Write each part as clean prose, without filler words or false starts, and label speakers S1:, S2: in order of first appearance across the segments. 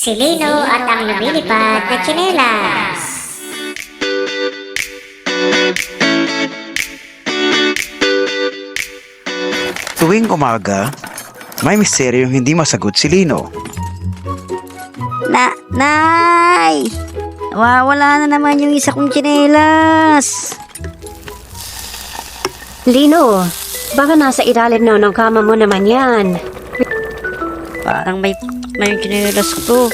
S1: Si Lino at ang lumilipad na tsinelas.
S2: Tuwing umaga, may misteryong hindi masagot si Lino.
S3: Nay! Nawawala na naman yung isa kong tsinelas.
S4: Lino, baka nasa ilalim na ng kama mo naman yan.
S3: Parang may yung tsinelas ko.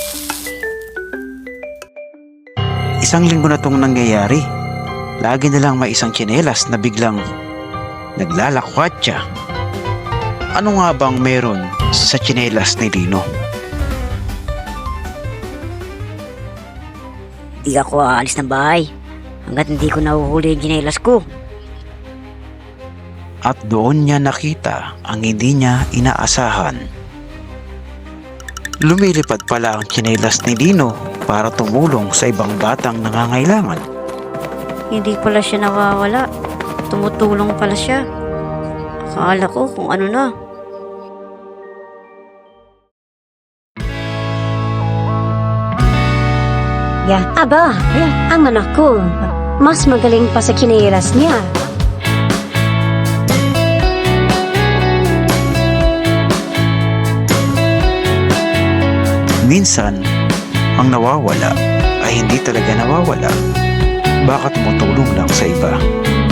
S2: Isang linggo na tong nangyayari. Lagi na lang may isang tsinelas na biglang naglalakwatsa. Ano nga bang meron sa tsinelas ni Lino?
S3: Hindi ako aalis ng bahay hanggat hindi ko nahuhuli yung tsinelas ko.
S2: At doon niya nakita ang hindi niya inaasahan. Lumilipad pala ang tsinelas ni Lino para tumulong sa ibang batang nangangailangan.
S3: Hindi pala siya nawawala. Tumutulong pala siya. Akala ko kung ano na.
S4: Aba, ang anak ko, mas magaling pa sa tsinelas niya.
S2: Minsan, ang nawawala ay hindi talaga nawawala. Bakit tumutulong lang sa iba?